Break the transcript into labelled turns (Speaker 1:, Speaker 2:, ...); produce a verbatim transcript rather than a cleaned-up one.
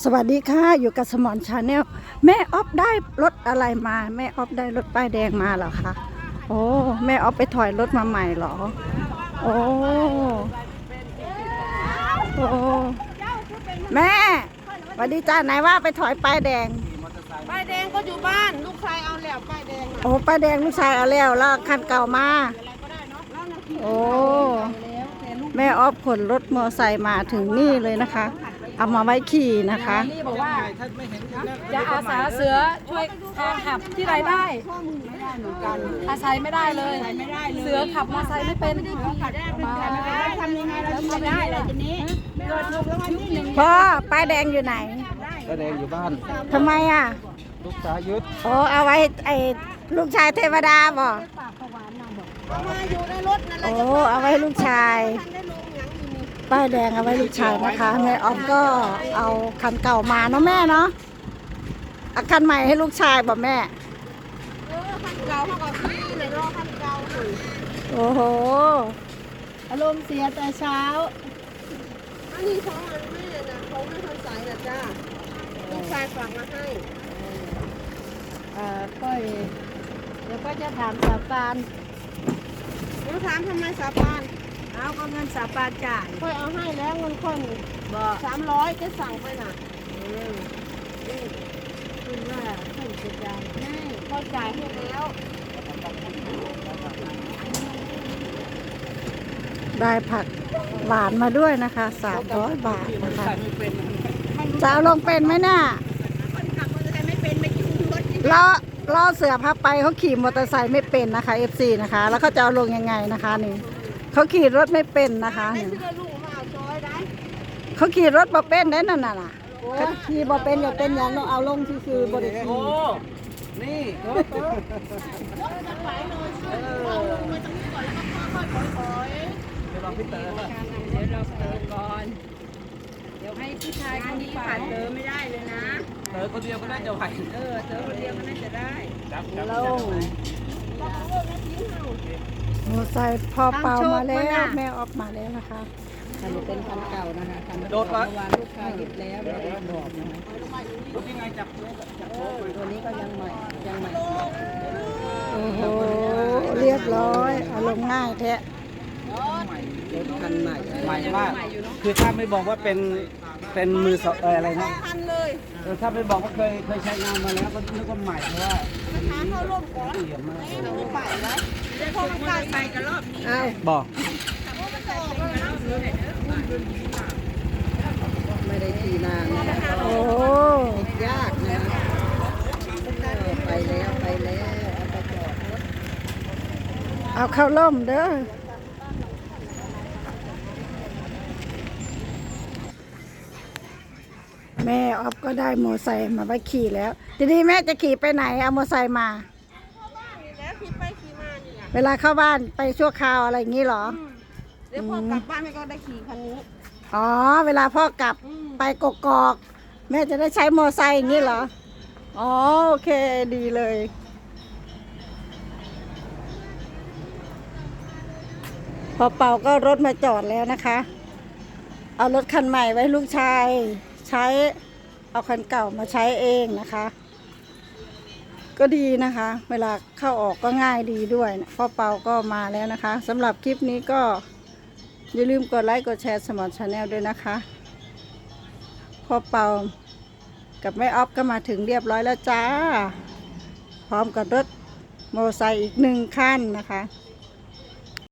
Speaker 1: สวัสดีค่ะอยู่กับสมอนชาแนลแม่ออฟได้รถอะไรมาแม่ออฟได้รถป้ายแดงมาเหรอคะโอ้แม่ออฟไปถอยรถมาใหม่เหรอโอ้โอ้แม่สวัสดีจ้าไหนว่าไปถอยป้ายแดง
Speaker 2: ป้ายแดงก็อยู่บ้านลูกชายเอาแล้วป้ายแดง
Speaker 1: โอ้ป้ายแดงลูกชายเอาแล้วแล้วคันเก่ามาโอ้แม่ออฟขนรถมอไซค์มาถึงนี่เลยนะคะเอามาไว้ขี่นะคะ
Speaker 2: นี่บอกว่าจะอาสาเสือช่วยแทนขับที่ไรได้อาศัยไม่ได้เลยเสือขับมอไซค์ไม่เป็นทำยังไงเราทำได้เลยทีนี้
Speaker 1: พ่อป้ายแดงอยู่ไหน
Speaker 3: ป้ายแดงอยู่บ้าน
Speaker 1: ทำไมอ่ะ
Speaker 3: ลูกชายยึด
Speaker 1: โอ้เอาไว้ไอ้ลูกชายเทวดาบ่
Speaker 2: เอามาอยู่ในรถนั่นแหละ
Speaker 1: โอ้เอาไว้ลูกชายป้ายแดงเอาไว้ลูกชายนะคะแม่ออฟก็เอาคันเก่ามาเนาะแม่เนาะเอาคันใหม่ให้ลูกชายบอกแม่
Speaker 2: เออคันเก่าเขาก็ซื้อเลยรอคันเก่าอยู่
Speaker 1: โอ้โห
Speaker 2: อารมณ์เสียแต่เช้าอันนี้ของอันแม่นะเขาไม่ทันใส่นะจ้าลูกชายฝากมาให้
Speaker 1: เอ่อก็เดี๋ยวก็จะถามสาปาน
Speaker 2: หนูถามทำไมสาปาน
Speaker 1: เอาก็เงินสาปานจ่าย
Speaker 2: ค่อยเอาให้แล้วเงินค่อยบอกสามร้อยจะสั่งไปน่ะ
Speaker 1: คุณว่าท่านจะจ่าย
Speaker 2: ให้ค่อยจ่ายให้แล้ว
Speaker 1: ได้ผักหวานมาด้วยนะคะสามร้อยบาทนะคะจะเอาลงเป็นไหมน่ะ
Speaker 2: คนขับมอเตอร์ไซค์ไม่เป็นไม่คิดรถ
Speaker 1: ล้อล้อเสือพับไปเขาขี่มอเตอร์ไซค์ไม่เป็นนะคะ เอฟ ซี นะคะแล้วเขาจะเอาลงยังไงนะคะนี่เขาขี่รถไม่เป็นนะคะเขาขี่รถบ่เป็นได้นั่นน่ะเขาขี่บ่เป็นอย่าเป็นอย่างเราเอาลงคือบริษัท
Speaker 3: นี่
Speaker 2: รถจะไหวเลยเอาลงมาตรงนี้ก่อนแล้วก็ค่อยๆถอย
Speaker 3: เดี๋ยวเราพี่เต๋อ
Speaker 2: เดี๋ยวเราเต๋อก่อนเดี๋ยวให้ผู้ชายคนนี้ผ่านเต๋อไม่ได้เลยนะ
Speaker 3: เต๋อคนเดียวก็น่าจะไหว
Speaker 2: เออเต๋อคนเดียวก็น่าจะได้
Speaker 1: ลงโอ้ใส่พอเป่ามาแล้วแม่ออกมาแล้วนะคะ
Speaker 2: อันนี้เป็นคันเก่านะคะคันเมื่อวานลูกค้าหยิบแล้วเราได้บอกนะคะ
Speaker 3: รถยังไงจับจับ
Speaker 2: ตัวนี้ก็ยังใหม่ยังใหม่
Speaker 1: โอ้โหเรียบร้อยเอาลงง่ายแท้
Speaker 2: รถคันใหม่
Speaker 3: ใหม่มากคือถ้าไม่บอกว่าเป็นเป็นมือสองอะไรนะ
Speaker 2: คันเลย
Speaker 3: ถ้าไม่บอกว่าเคยเคยใช้งานมาแล้วก็นึกว่าใหม่เพราะว่า
Speaker 2: หาเข้าร่วมก่อน
Speaker 3: เยี่ยมมาก
Speaker 2: ไม่ไปแล้วเดี๋ยวพอมันกลายไปกันรอบนี้
Speaker 3: บอก
Speaker 2: ไม่ได้ขี่นานนะคะ
Speaker 1: โอ้
Speaker 2: ยากนะไปแล้วไปแล้วเอาไปจอดรถ
Speaker 1: เอาเข้าล่มเด้อแม่ออฟก็ได้มอไซค์มาไว้ขี่แล้วทีนี้แม่จะขี่ไปไหนเอามอไซค์มา
Speaker 2: แล้วขี่ไปขี่มาเนี่ย
Speaker 1: เวลาเข้าบ้านไปชั่วคราวอะไรอย่างนี้เหรอ
Speaker 2: เดี๋ยวพอกลับบ้านแม่ก็ได้ขี่คันนี้
Speaker 1: อ๋อเวลาพ่อกลับไปกกอกแม่จะได้ใช้มอไซค์อย่างนี้เหรออ๋อโอเคดีเลยพอเป่าก็รถมาจอดแล้วนะคะเอารถคันใหม่ไว้ลูกชายใช้เอาคันเก่ามาใช้เองนะคะก็ดีนะคะเวลาเข้าออกก็ง่ายดีด้วยพ่อเปาก็มาแล้วนะคะสำหรับคลิปนี้ก็อย่าลืมกดไลค์กดแชร์สมอนชาแนลด้วยนะคะพ่อเปากับแม่ออฟก็มาถึงเรียบร้อยแล้วจ้าพร้อมกับรถมอเตอร์ไซค์อีกหนึ่งคันนะคะ